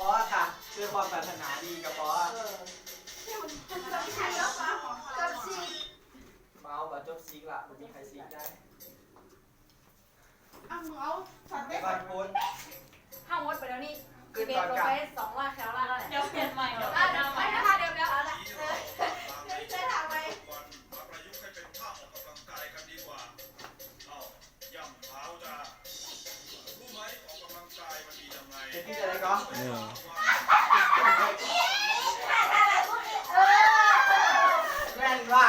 อค่ะคือความปรารถนาดีกับปอเมาแบบจบซีกละผมมีใครซีกได้ไปก่อนพูดห้ามดไปแล้วนี่เบสลงไป200แคลละเดี๋ยวเปลี่ยนใหม่เดี๋ยวไม่นะคะเดี๋ยวเอาละจะถามไปมาประยุกต์ให้เป็นท่าออกกำลังกายกันดีกว่าเอาย่ำเท้าจ้ารู้ไหมออกกำลังกายมันดียังไงเดี๋ยวพี่จะได้ก็แม่นว่า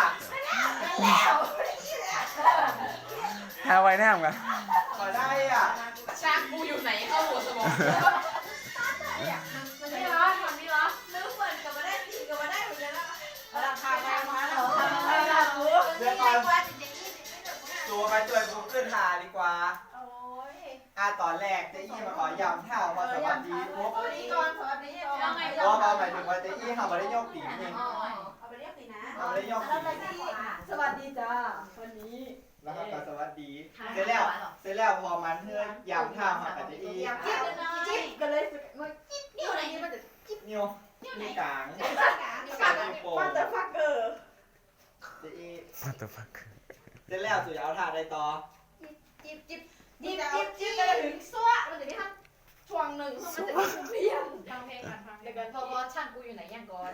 หาไว้แน่มกันขอได้อ่ะช้างกูอยู่ไหนเข้าหัวสมองมันนี่เหรอมันนี่เหรอนึกเหมือนกับมาได้ทีกับมาได้เหมือนกันละราคาแพงมาแล้วเดี๋ยวก่อนตัวไปช่วยกูขึ้นหาดีกว่าตอนแรกเจ๊อี้มาขอยำเท้ามาสวัสดีปุ๊บสวัสดีก่อนสวัสดียังไงเพราะหมายถึงว่าเจ๊อี้เขาไม่ได้ยกตีนี่เอาไปเรียกสินะเขาไม่ได้ยกตีสวัสดีจ้าวันนี้แล้วเขาก็สวัสดีเสร็จแล้วพอมันเฮือนยำเท้ามากับเจ๊อี้จิ๊บกันเลยมันจิ๊บนิ้วไหนมันจะนิ้วนิ้วกลางนิ้วโป้งฟังเตอร์ฟักเกอร์เจ๊อี้มาตัวฟักเสร็จแล้วสุดเอาท่าได้ต่อจิ๊บจิ๊บกันถึงซัวมันจะได้ทั้งช่วงหนึ่งมันจะได้เพียงฟังเพลงก่อนฟังเพลงก่อนพอช่างกูอยู่ไหนยังก่อน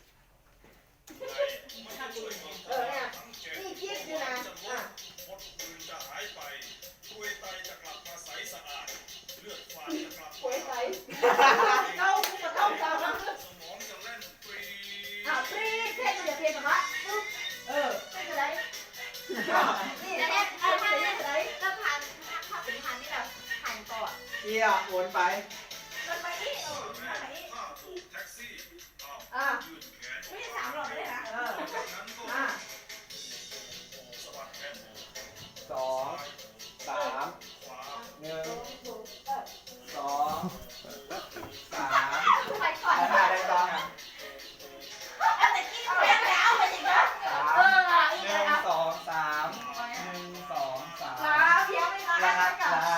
นี่จิ๊บอยู่นะมดปืนจะหายไปช่วยไตจะกลับมาใสสะอาดเลือดฝาดจะกลับหวยใสเข้ากูมาเข้าตามนะสมองจะเล่นฟรีปรีเพ่งมันจะเพียงกับว่าเพ่งอะไรนี่นะเนี่ยเพ่งอะไรแล้วผ่านถ้าเป็นผ่านที่แบบผ่านก่อนเอี้ยโอนไปมันไปนี่แม่ถ้าถูกแท็กซี่เอายืนแขนไม่ใช่3 หลอดเลยนะจากนั้นก็สะบัดแขน 2 3 ขวา 1 2 3 ไปก่อนเอาท่าได้ต่อแต่กี้เพียงแล้วไปอีกนะ 1 2 3 1 2 3 เพียงไม่มาลากับลา